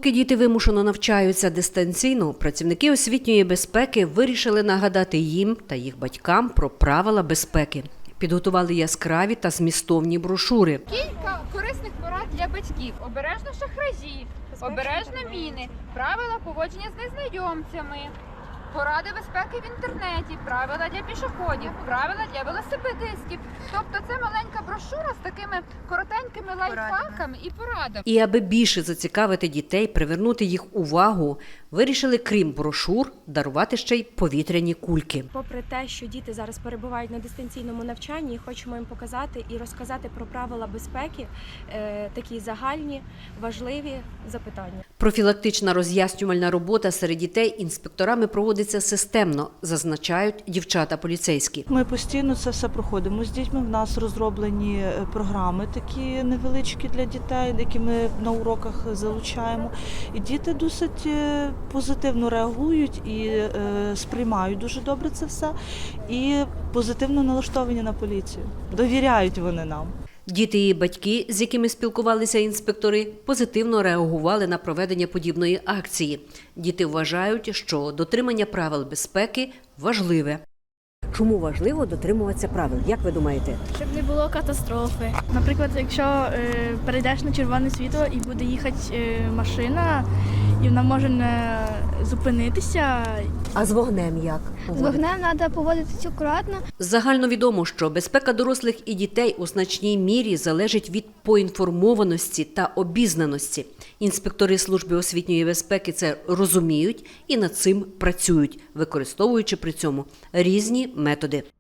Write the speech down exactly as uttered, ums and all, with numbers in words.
Поки діти вимушено навчаються дистанційно, працівники освітньої безпеки вирішили нагадати їм та їх батькам про правила безпеки. Підготували яскраві та змістовні брошури. Кілька корисних порад для батьків. Обережно шахражі, обережно міни, правила поводження з незнайомцями, поради безпеки в інтернеті, правила для пішоходів, правила для велосипедистів. Тобто це маленька брошура з такими коротенькими лайфхаками і порадами. І аби більше зацікавити дітей, привернути їх увагу, вирішили, крім брошур, дарувати ще й повітряні кульки. Попри те, що діти зараз перебувають на дистанційному навчанні, хочемо їм показати і розказати про правила безпеки, е, такі загальні, важливі запитання. Профілактична роз'яснювальна робота серед дітей інспекторами проводиться системно, зазначають дівчата-поліцейські. Ми постійно це все проходимо з дітьми. В нас розроблені програми такі невеличкі для дітей, які ми на уроках залучаємо. І діти досить позитивно реагують і е, сприймають дуже добре це все. І позитивно налаштовані на поліцію. Довіряють вони нам. Діти і батьки, з якими спілкувалися інспектори, позитивно реагували на проведення подібної акції. Діти вважають, що дотримання правил безпеки важливе. Чому важливо дотримуватися правил? Як ви думаєте? Щоб не було катастрофи. Наприклад, якщо е, перейдеш на червоне світло і буде їхати е, машина, і вона може не зупинитися. А з вогнем як? З вогнем треба поводитися акуратно. Загальновідомо, що безпека дорослих і дітей у значній мірі залежить від поінформованості та обізнаності. Інспектори служби освітньої безпеки це розуміють і над цим працюють, використовуючи при цьому різні методи.